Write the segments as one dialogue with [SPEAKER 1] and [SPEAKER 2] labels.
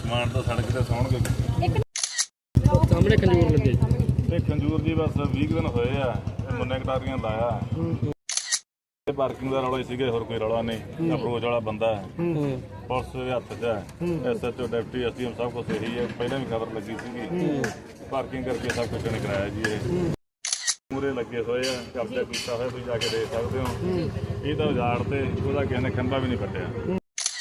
[SPEAKER 1] ਸਮਾਨ ਤਾਂ ਸੜਕ ਤੇ ਸੌਣਗੇ।
[SPEAKER 2] ਸਾਹਮਣੇ ਖੰਜੂਰ ਲੱਗੇ
[SPEAKER 1] ਤੇ ਖੰਜੂਰ ਜੀ ਬਸ 20 ਦਿਨ ਹੋਏ ਆ, ਮੁੰਨੇ ਕਟਾਰੀਆਂ ਲਾਇਆ। ਪਾਰਕਿੰਗ ਦਾ ਰੌਲਾ ਹੀ ਸੀਗੇ, ਹੋਰ ਕੋਈ ਰੌਲਾ ਨਹੀਂ। ਅਪਰੋਚ ਵਾਲਾ ਬੰਦਾ ਪੁਲਿਸ ਦੇ ਹੱਥ 'ਚ ਹੈ, SHO ਡਿਪਟੀ SDM ਸਭ ਕੁਛ ਇਹੀ ਹੈ। ਪਹਿਲਾਂ ਵੀ ਖਬਰ ਲੱਗੀ ਸੀਗੀ, ਪਾਰਕਿੰਗ ਕਰਕੇ ਸਭ ਕੁਛ ਨਹੀਂ ਕਰਾਇਆ ਜੀ। ਇਹ ਮੂਰੇ ਲੱਗੇ ਹੋਏ ਆ, ਕਬਜ਼ਾ ਕੀਤਾ ਹੋਇਆ, ਤੁਸੀਂ ਜਾ ਕੇ ਦੇਖ ਸਕਦੇ ਹੋ। ਇਹ ਤਾਂ ਉਜਾੜ ਤੇ ਉਹਦਾ ਕਿਸੇ ਨੇ ਖੰਭਾ ਵੀ ਨਹੀਂ ਪੱਟਿਆ।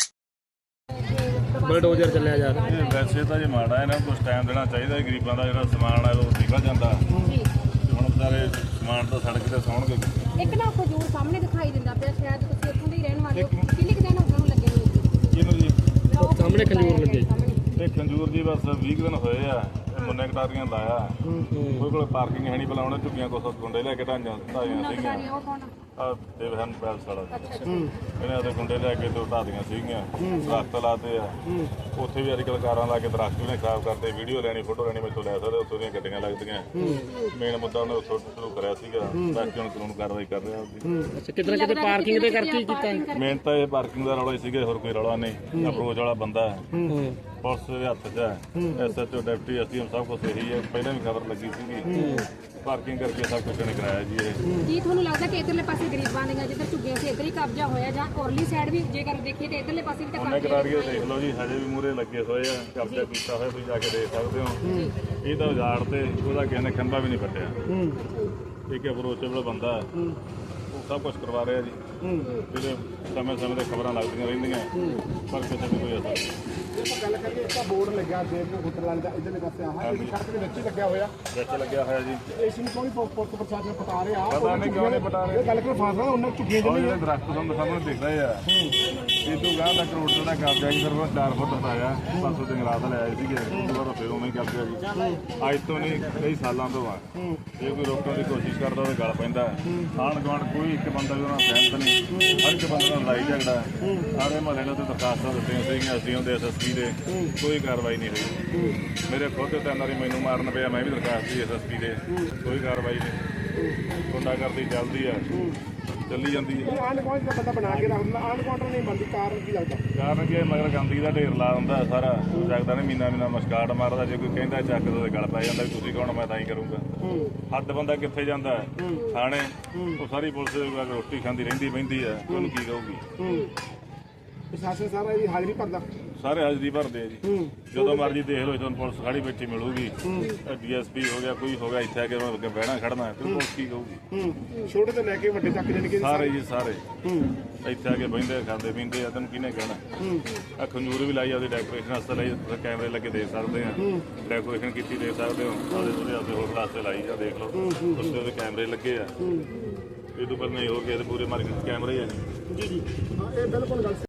[SPEAKER 2] ਬਲਡੋਜ਼ਰ ਚੱਲਿਆ ਜਾ ਰਿਹਾ।
[SPEAKER 1] ਇਹ ਵੈਸੇ ਤਾਂ ਜੇ ਮਾੜਾ ਇਹਨਾਂ ਨੂੰ ਕੁਛ ਟਾਈਮ ਦੇਣਾ ਚਾਹੀਦਾ। ਗਰੀਬਾਂ ਦਾ ਜਿਹੜਾ ਸਮਾਨ ਹੈ ਉਹ ਨਿਕਲ ਜਾਂਦਾ। ਹੁਣ ਸਾਰੇ ਸਮਾਨ ਤਾਂ ਸੜਕ ਤੇ ਸੌਣਗੇ।
[SPEAKER 3] ਇੱਕ ਨਾ ਖਜੂਰ ਸਾਹਮਣੇ ਦਿਖਾਈ ਦਿੰਦਾ ਪਿਆ, ਸ਼ਾਇਦ ਤੁਸੀਂ ਇੱਥੋਂ ਦੇ ਹੀ ਰਹਿਣ ਵਾਲੇ ਹੋ। ਕਿੰਨੇ ਕੁ ਦਿਨ ਉਹਨਾਂ ਨੂੰ ਲੱਗੇ ਹੋਏ?
[SPEAKER 1] ਇਹਨੂੰ ਜੀ
[SPEAKER 2] ਸਾਹਮਣੇ ਖੰਜੂਰ ਲੱਗੇ
[SPEAKER 1] ਤੇ ਖੰਜੂਰ ਜੀ ਬਸ 20 ਦਿਨ ਹੋਏ ਆ, ਮੁੰਨੇ ਕਟਾਰੀਆਂ ਲਾਇਆ। ਕੋਈ ਕੋਲ ਪਾਰਕਿੰਗ ਹੈ ਨਹੀਂ, ਭਲਾ ਉਹਨੇ ਝੁੱਗੀਆਂ ਕੋਲ ਗੁੰਡੇ ਲੈ ਕੇ ਢਾਈਆਂ ਸੀਗੀਆਂ। ਆ ਦੇਵਹਨ ਪੈਲਸ ਵਾਲਾ ਇਹਨੇ ਉਹਦੇ ਗੁੰਡੇ ਲੈ ਕੇ ਦੋ ਢਾਦੀਆਂ ਸੀਗੀਆਂ, ਦਰਖਤ ਲਾਤੇ ਆ। ਉੱਥੇ ਵੀ ਅੱਜ ਕੱਲ੍ਹ ਕਾਰਾਂ ਲਾ ਕੇ ਦਰਖਤ ਵੀ ਨੇ ਖਰਾਬ ਕਰਦੇ। ਵੀਡੀਓ ਲੈਣੀ, ਫੋਟੋ ਲੈਣੀ, ਮੈਥੋਂ ਲੈ ਸਕਦੇ। ਉੱਥੋਂ ਦੀਆਂ ਗੱਡੀਆਂ ਲੱਗਦੀਆਂ। ਮੇਨ ਮੁੱਦਾ ਉਹਨੇ ਉੱਥੋਂ ਸ਼ੁਰੂ ਕਰਿਆ ਸੀਗਾ, ਬਾਕੀ ਹੁਣ ਕਾਨੂੰਨ ਕਾਰਵਾਈ ਕਰ ਰਿਹਾ ਉਹਦੀ।
[SPEAKER 2] ਅੱਛਾ, ਕਿਤੇ ਨਾ ਕਿਤੇ ਪਾਰਕਿੰਗ ਦੇ ਕਰਕੇ ਹੀ ਕੀਤਾ।
[SPEAKER 1] ਮੇਨ ਤਾਂ ਇਹ ਪਾਰਕਿੰਗ ਦਾ ਰੌਲਾ ਹੀ ਸੀਗੇ, ਹੋਰ ਕੋਈ ਰੌਲਾ ਨਹੀਂ। ਅਪਰੋਚ ਵਾਲਾ ਬੰਦਾ ਪੁਲਿਸ ਦੇ ਹੱਥ 'ਚ ਹੈ, SHO ਡਿਪਟੀ SDM ਸਭ ਕੁਛ ਇਹੀ ਹੈ। ਪਹਿਲਾਂ ਵੀ ਖਬਰ ਲੱਗੀ ਸੀਗੀ, ਪਾਰਕਿੰਗ ਕਰਕੇ ਸਭ ਕੁਛ ਨਹੀਂ ਕਰਾਇਆ ਜੀ। ਇਹ
[SPEAKER 3] ਕੀ ਤੁਹਾਨੂੰ ਲੱਗਦਾ ਕਿ ਇਧਰਲੇ ਪਾਸੇ ਗਰੀਬਾਂ ਦੀਆਂ ਜਿੱਧਰ ਝੁੱਗੀਆਂ ਸੀ ਇੱਧਰ ਹੀ ਕਬਜ਼ਾ ਹੋਇਆ, ਜਾਂ ਔਰਲੀ ਸਾਈਡ ਵੀ ਜੇਕਰ ਦੇਖੀਏ ਤੇ ਇਧਰਲੇ ਪਾਸੇ ਵੀ ਤਾਂ
[SPEAKER 1] ਉਹਨੇ ਕਟਾਰੀਆਂ ਦੇਖ ਲਓ ਜੀ, ਹਜੇ ਵੀ ਮੂਰੇ ਲੱਗੇ ਹੋਏ ਆ, ਕਬਜ਼ਾ ਕੀਤਾ ਹੋਇਆ, ਤੁਸੀਂ ਜਾ ਕੇ ਦੇਖ ਸਕਦੇ ਹੋ। ਇਹ ਤਾਂ ਉਜਾੜ ਤੇ ਉਹਦਾ ਕਿਸੇ ਨੇ ਖੰਭਾ ਵੀ ਨਹੀਂ ਪੱਟਿਆ। ਇੱਕ ਅਪਰੋਚੇਬਲ ਬੰਦਾ ਉਹ ਸਭ ਕੁਛ ਕਰਵਾ ਰਿਹਾ ਜੀ। ਜਿਹੜੇ ਸਮੇਂ-ਸਮੇਂ ਤੇ ਖਬਰਾਂ ਲੱਗਦੀਆਂ ਰਹਿੰਦੀਆਂ, ਪਰ ਕਿਸੇ ਨੂੰ ਕੋਈ ਅਸਰ ਨਹੀਂ।
[SPEAKER 4] ਗੱਲ ਕਰੀਏ ਤਾਂ ਬੋਰਡ ਲੱਗਿਆ ਦੇਵ ਹੋਟਲ ਵਾਲੇ ਦਾ ਇਧਰਲੇ ਪਾਸੇ ਆਹ ਇਹ ਸੜਕ ਦੇ ਵਿੱਚ ਹੀ ਲੱਗਿਆ ਹੋਇਆ।
[SPEAKER 1] ਵਿੱਚ ਲੱਗਿਆ ਹੋਇਆ ਜੀ।
[SPEAKER 4] ਇਸ ਨੂੰ ਕੋਈ ਪੁਲਿਸ ਪ੍ਰਸ਼ਾਸਨ ਪਟਾ ਰਿਹਾ।
[SPEAKER 1] ਪਤਾ ਨਹੀਂ ਕਿਉਂ ਨਹੀਂ ਪਟਾ ਰਹੇ।
[SPEAKER 4] ਇਹ ਗੱਲ ਕੋਈ ਫਾਸਲਾ ਉਹਨਾਂ ਝੁੱਗੀਆਂ
[SPEAKER 1] ਉਹ ਜਿਹੜੇ ਦਰਖਤ ਤੁਹਾਨੂੰ ਸਾਹਮਣੇ ਦਿਖ ਰਹੇ ਆ, ਇਹ ਤੋਂ ਗਾਂ ਦਾ ਕਰੋੜ ਦਾ ਕਬਜ਼ਾ ਜੀ। ਫਿਰ 4 ਫੁੱਟ ਹਟਾਇਆ, 500 ਦੇ ਗਲਾਸ ਲੈ ਆਏ ਸੀਗੇ। ਉਸ ਤੋਂ ਬਾਅਦ ਫਿਰ ਉਵੇਂ ਹੀ ਕਬਜ਼ਾ ਜੀ। ਅੱਜ ਤੋਂ ਨਹੀਂ, ਕਈ ਸਾਲਾਂ ਤੋਂ ਆ। ਜੇ ਕੋਈ ਰੋਕਣ ਦੀ ਕੋਸ਼ਿਸ਼ ਕਰਦਾ ਉਹਦੇ ਗਲ ਪੈਂਦਾ। ਆਂਢ ਗੁਆਂਢ ਕੋਈ ਇੱਕ ਬੰਦਾ ਵੀ ਉਹਨਾਂ ਸਹਿਮਤ ਨਹੀਂ। ਹਰ ਇੱਕ ਬੰਦੇ ਨਾਲ ਲੜਾਈ ਝਗੜਾ। ਸਾਰੇ ਮਹੱਲੇ ਨੂੰ ਤੇ ਦਰਖਾਸਤਾਂ ਦਿੱਤੀਆਂ ਸੀਗੀਆਂ SDM ਦੇ SSP ਦੇ, ਕੋਈ ਕਾਰਵਾਈ ਨਹੀਂ ਹੋਈ। ਮੇਰੇ ਖੁਦ ਤੇ 3 ਵਾਰੀ ਮੈਨੂੰ ਮਾਰਨ ਪਿਆ, ਮੈਂ ਵੀ ਦਰਖਾਸਤ ਦੀ SSP ਦੇ, ਕੋਈ ਕਾਰਵਾਈ ਨਹੀਂ। ਗੁੰਡਾਗਰਦੀ ਚੱਲਦੀ ਆ, ਚੱਲੀ ਜਾਂਦੀ ਹੈ।
[SPEAKER 4] ਆਂਢ ਗੁਆਂਢ ਦਾ ਬੰਦਾ ਬਣਾ ਕੇ ਰੱਖਦਾ, ਆਂਢ ਗੁਆਂਢ ਨਹੀਂ ਬਣਦੀ। ਕਾਰਨ ਕੀ ਲੱਗਦਾ?
[SPEAKER 1] ਕਾਰਨ ਕੀ ਮਗਰ ਗੰਦਗੀ ਦਾ ਢੇਰ ਲਾ ਹੁੰਦਾ ਸਾਰਾ। ਜਗਦਾ ਨੇ ਮਹੀਨਾ ਮਸਕਾਟ ਮਾਰਦਾ। ਜੇ ਕੋਈ ਕਹਿੰਦਾ ਚੱਕ ਦੋ ਗਲ ਪੈ ਜਾਂਦਾ, ਤੁਸੀਂ ਕੌਣ, ਮੈਂ ਤਾਂ ਹੀ ਕਰੂੰਗਾ। ਹੱਦ ਬੰਦਾ ਕਿੱਥੇ ਜਾਂਦਾ ਥਾਣੇ, ਉਹ ਸਾਰੀ ਪੁਲਿਸ ਰੋਟੀ ਖਾਂਦੀ ਰਹਿੰਦੀ ਬਹਿੰਦੀ ਹੈ, ਉਹਨੂੰ ਕੀ ਕਹੂਗੀ।
[SPEAKER 4] ਪ੍ਰਸ਼ਾਸਨ ਸਾਰਾ ਇਹਦੀ ਹਾਜ਼ਰੀ ਭਰਦਾ,
[SPEAKER 1] ਸਾਰੇ ਹਾਜ਼ਰੀ ਭਰਦੇ ਆ ਜੀ। ਜਦੋਂ ਮਰਜ਼ੀ ਦੇਖ ਲਓ, ਤੁਹਾਨੂੰ ਪੁਲਿਸ ਖੜੀ ਬੈਠੀ ਮਿਲੂਗੀ। DSP ਹੋ ਗਿਆ, ਕੋਈ ਹੋ ਗਿਆ, ਇੱਥੇ ਆ ਕੇ ਅੱਗੇ ਬਹਿਣਾ ਖੜਨਾ, ਫਿਰ ਪੁਲਿਸ ਕੀ ਕਹੂਗੀ।
[SPEAKER 4] ਛੋਟੇ ਤੋਂ ਲੈ ਕੇ ਵੱਡੇ ਤੱਕ ਜਾਣੀ ਕਿ
[SPEAKER 1] ਸਾਰੇ ਜੀ ਸਾਰੇ ਇੱਥੇ ਆ ਕੇ ਬਹਿੰਦੇ ਖਾਂਦੇ ਪੀਂਦੇ ਆ। ਤੈਨੂੰ ਕਿਹਨੇ ਕਹਿਣਾ। ਆ ਖੰਜੂਰ ਵੀ ਲਾਈ, ਉਹਦੀ ਡੈਕੋਰੇਸ਼ਨ ਵਾਸਤੇ ਲਾਈ। ਤੁਸੀਂ ਕੈਮਰੇ ਲੱਗੇ ਦੇਖ ਸਕਦੇ ਆ, ਡੈਕੋਰੇਸ਼ਨ ਕੀਤੀ ਦੇਖ ਸਕਦੇ ਹੋ। ਉਹਦੇ ਹੋਰ ਵਾਸਤੇ ਲਾਈ ਆ, ਦੇਖ ਲਓ। ਉੱਤੇ ਉਹਦੇ ਕੈਮਰੇ ਲੱਗੇ ਆ। ਇਹ ਤੋਂ ਪਹਿਲਾਂ ਨਹੀਂ ਹੋ ਗਿਆ ਤੇ ਪੂਰੇ ਮਾਰਕੀਟ 'ਚ ਕੈਮਰੇ ਆ ਜੀ।
[SPEAKER 4] ਜੀ ਹਾਂ, ਇਹ ਬਿਲਕੁਲ ਗੱਲ